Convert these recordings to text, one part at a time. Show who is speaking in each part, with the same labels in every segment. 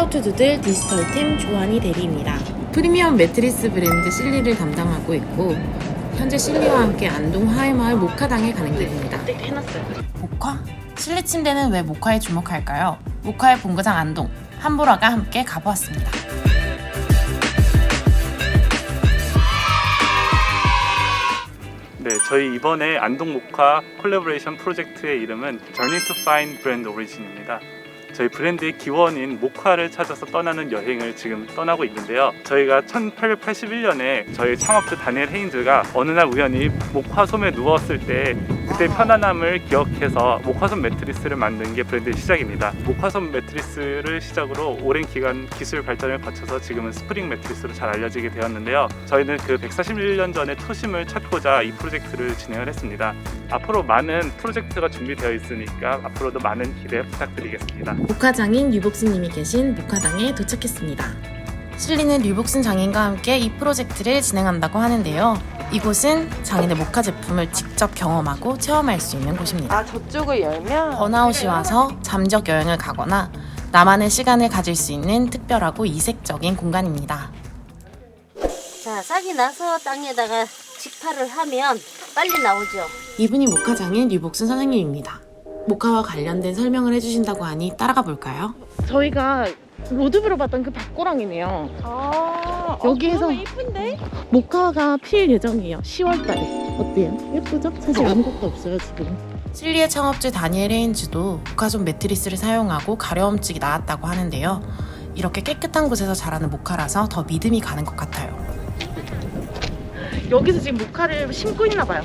Speaker 1: 투두들 디지털팀 조한이 대리입니다. 프리미엄 매트리스 브랜드 실리를 담당하고 있고 현재 실리와 함께 안동 하회마을 모카당에 가는 길입니다. 모카? 실리 침대는 왜 모카에 주목할까요? 모카의 본거장 안동, 한보라가 함께 가보았습니다.
Speaker 2: 네, 저희 이번에 안동 모카 콜라보레이션 프로젝트의 이름은 Journey to Find Brand Origin입니다. 저희 브랜드의 기원인 모카를 찾아서 떠나는 여행을 지금 떠나고 있는데요. 저희가 1881년에 저희 창업주 다니엘 헤인즈가 어느 날 우연히 모카솜에 누웠을 때 그때 편안함을 기억해서 모카솜 매트리스를 만든 게 브랜드의 시작입니다. 모카솜 매트리스를 시작으로 오랜 기간 기술 발전을 거쳐서 지금은 스프링 매트리스로 잘 알려지게 되었는데요. 저희는 그 141년 전의 초심을 찾고자 이 프로젝트를 진행을 했습니다. 앞으로 많은 프로젝트가 준비되어 있으니까 앞으로도 많은 기대 부탁드리겠습니다.
Speaker 1: 모카 장인 류복순님이 계신 모카당에 도착했습니다. 실리는 류복순 장인과 함께 이 프로젝트를 진행한다고 하는데요. 이곳은 장인의 모카 제품을 직접 경험하고 체험할 수 있는 곳입니다.
Speaker 3: 아, 저쪽을 열면
Speaker 1: 번아웃이 와서 잠적 여행을 가거나 나만의 시간을 가질 수 있는 특별하고 이색적인 공간입니다.
Speaker 4: 자, 싹이 나서 땅에다가 직파를 하면 빨리 나오죠.
Speaker 1: 이분이 모카 장인 류복순 선생님입니다. 모카와 관련된 설명을 해주신다고 하니 따라가 볼까요?
Speaker 3: 저희가 로드뷰로 봤던 그 밭고랑이네요.
Speaker 4: 아,
Speaker 3: 여기에서
Speaker 4: 너무 이쁜데?
Speaker 3: 모카가 필 예정이에요. 10월 달에. 어때요? 예쁘죠? 사실 아무것도 없어요, 지금.
Speaker 1: 실리의 창업주 다니엘 헤인즈도 모카솜 매트리스를 사용하고 가려움증이 나았다고 하는데요. 이렇게 깨끗한 곳에서 자라는 모카라서 더 믿음이 가는 것 같아요.
Speaker 3: 여기서 지금 모카를 심고 있나 봐요.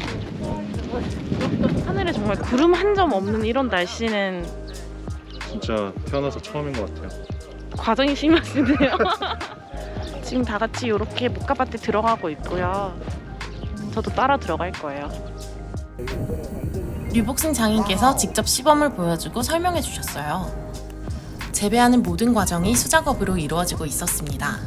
Speaker 3: 하늘에 정말 구름 한 점 없는 이런 날씨는
Speaker 2: 진짜 태어나서 처음인 것 같아요.
Speaker 3: 과정이 심하시네요. 지금 다 같이 이렇게 모카밭에 들어가고 있고요. 저도 따라 들어갈 거예요.
Speaker 1: 류복순 장인께서 직접 시범을 보여주고 설명해 주셨어요. 재배하는 모든 과정이 수작업으로 이루어지고 있었습니다.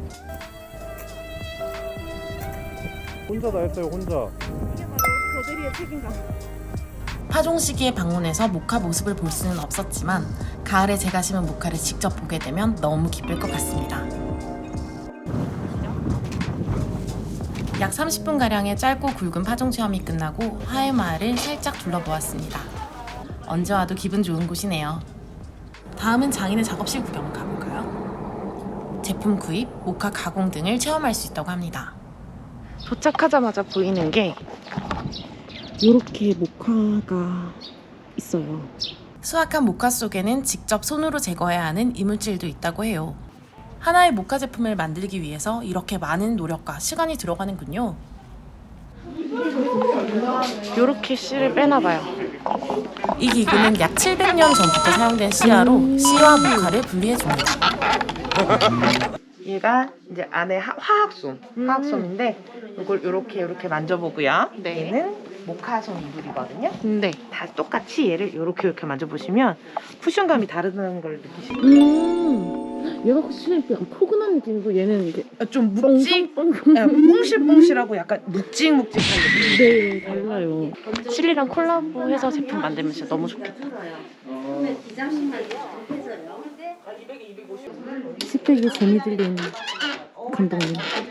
Speaker 2: 혼자 다 했어요, 혼자.
Speaker 3: 교대리의 책임감.
Speaker 1: 파종 시기에 방문해서 모카 모습을 볼 수는 없었지만 가을에 제가 심은 모카를 직접 보게 되면 너무 기쁠 것 같습니다. 약 30분가량의 짧고 굵은 파종 체험이 끝나고 하회마을을 살짝 둘러보았습니다. 언제 와도 기분 좋은 곳이네요. 다음은 장인의 작업실 구경 가볼까요? 제품 구입, 모카 가공 등을 체험할 수 있다고 합니다.
Speaker 3: 도착하자마자 보이는 게 이렇게 모카가 있어요.
Speaker 1: 수확한 모카 속에는 직접 손으로 제거해야 하는 이물질도 있다고 해요. 하나의 모카 제품을 만들기 위해서 이렇게 많은 노력과 시간이 들어가는군요.
Speaker 3: 이렇게 씨를 빼나 봐요.
Speaker 1: 이 기구는 약 700년 전부터 사용된 씨앗로 씨와 모카를 분리해줍니다.
Speaker 3: 얘가 이제 안에 화학솜인데 이걸 이렇게 만져보고요.
Speaker 4: 네.
Speaker 3: 얘는 모카솜 이불이거든요.
Speaker 4: 네.
Speaker 3: 다 똑같이 얘를 이렇게 만져보시면 쿠션감이 다르다는 걸 느끼시죠. 얘가 확실히 약간 포근한 느낌이고 얘는 이제
Speaker 5: 좀 뭉실뭉실하고 약간 묵직묵직한 느낌.
Speaker 3: 네, 달라요. 실리랑 콜라보해서 제품 만들면 진짜 너무 좋겠다. 스펙이 재미 들린 감독님.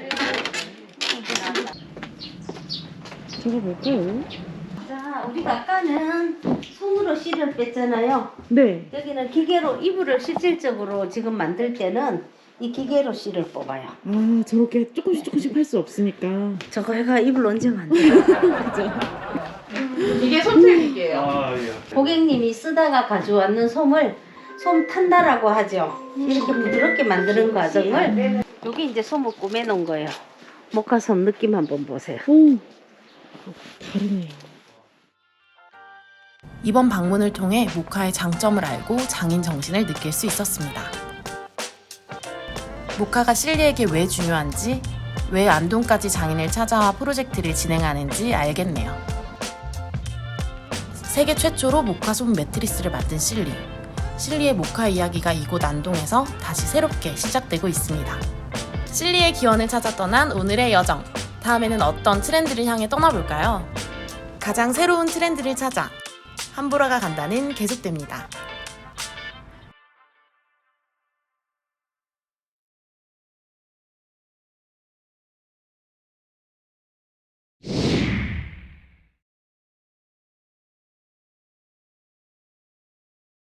Speaker 3: 저거 뭘까요?
Speaker 4: 자, 우리가 아까는 손으로 씨를 뺐잖아요.
Speaker 3: 네.
Speaker 4: 여기는 기계로 이불을 실질적으로 지금 만들 때는 이 기계로 씨를 뽑아요.
Speaker 3: 아, 저렇게 조금씩 할 수 없으니까.
Speaker 4: 저거가 이불 언제 만들어?
Speaker 5: 이게 솜색이에요.
Speaker 2: 아, 예.
Speaker 4: 고객님이 쓰다가 가져왔는 솜을 솜 탄다라고 하죠. 이렇게 부드럽게 만드는 과정을 여기 이제 솜을 꾸며놓은 거예요. 모카솜 느낌 한번 보세요.
Speaker 3: 오, 다르네요.
Speaker 1: 이번 방문을 통해 모카의 장점을 알고 장인 정신을 느낄 수 있었습니다. 모카가 실리에게 왜 중요한지, 왜 안동까지 장인을 찾아와 프로젝트를 진행하는지 알겠네요. 세계 최초로 모카솜 매트리스를 만든 실리. 실리의 모카 이야기가 이곳 안동에서 다시 새롭게 시작되고 있습니다. 실리의 기원을 찾아 떠난 오늘의 여정. 다음에는 어떤 트렌드를 향해 떠나볼까요? 가장 새로운 트렌드를 찾아 한보라가 간다는 계속됩니다.